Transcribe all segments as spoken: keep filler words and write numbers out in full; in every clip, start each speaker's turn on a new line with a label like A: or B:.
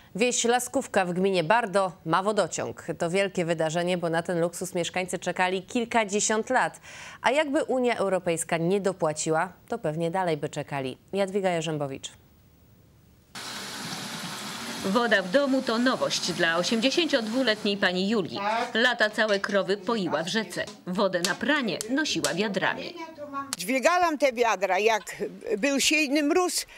A: Wieś Laskówka w gminie Bardo ma wodociąg. To wielkie wydarzenie, bo na ten luksus mieszkańcy czekali kilkadziesiąt lat. A jakby Unia Europejska nie dopłaciła, to pewnie dalej by czekali. Jadwiga Jarzębowicz.
B: Woda w domu to nowość dla osiemdziesięciodwuletniej pani Julii. Lata całe krowy poiła w rzece. Wodę na pranie nosiła wiadrami.
C: Dźwigałam te wiadra, jak był silny mróz,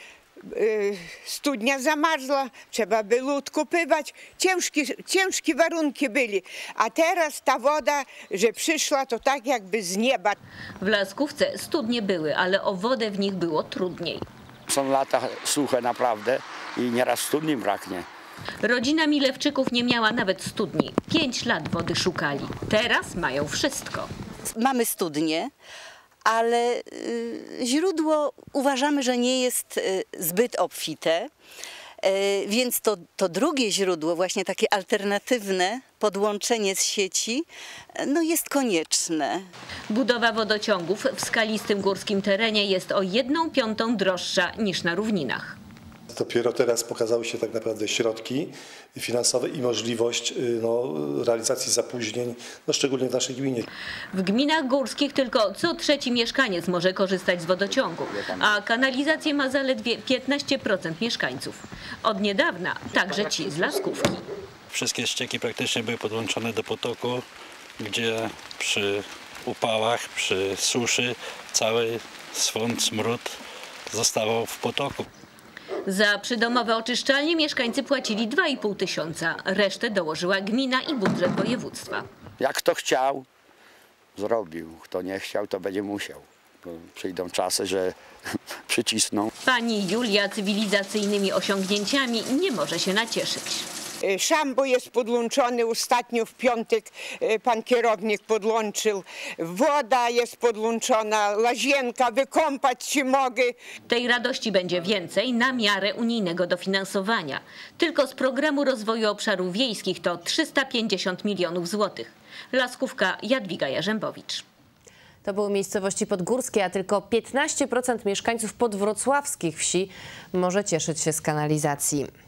C: studnia zamarzła, trzeba było odkupywać. Ciężkie, ciężkie warunki byli. A teraz ta woda, że przyszła, to tak jakby z nieba.
B: W Laskówce studnie były, ale o wodę w nich było trudniej.
D: Są lata suche naprawdę i nieraz studni braknie.
B: Rodzina Milewczyków nie miała nawet studni. Pięć lat wody szukali. Teraz mają wszystko.
E: Mamy studnię, ale y, źródło uważamy, że nie jest y, zbyt obfite, y, więc to, to drugie źródło, właśnie takie alternatywne podłączenie z sieci, no jest konieczne.
B: Budowa wodociągów w skalistym górskim terenie jest o jedną piątą droższa niż na równinach.
F: Dopiero teraz pokazały się tak naprawdę środki finansowe i możliwość no, realizacji zapóźnień, no, szczególnie w naszej gminie.
B: W gminach górskich tylko co trzeci mieszkaniec może korzystać z wodociągu, a kanalizację ma zaledwie piętnaście procent mieszkańców. Od niedawna także ci z Laskówki.
G: Wszystkie ścieki praktycznie były podłączone do potoku, gdzie przy upałach, przy suszy cały swąd, smród zostawał w potoku.
B: Za przydomowe oczyszczalnie mieszkańcy płacili dwa i pół tysiąca. Resztę dołożyła gmina i budżet województwa.
D: Jak kto chciał, zrobił. Kto nie chciał, to będzie musiał. Bo przyjdą czasy, że przycisną.
B: Pani Julia cywilizacyjnymi osiągnięciami nie może się nacieszyć.
C: Szambo jest podłączony, ostatnio w piątek pan kierownik podłączył. Woda jest podłączona, łazienka, wykąpać się mogę.
B: Tej radości będzie więcej na miarę unijnego dofinansowania. Tylko z programu rozwoju obszarów wiejskich to trzysta pięćdziesiąt milionów złotych. Laskówka, Jadwiga Jarzębowicz.
A: To były miejscowości podgórskie, a tylko piętnaście procent mieszkańców podwrocławskich wsi może cieszyć się z kanalizacji.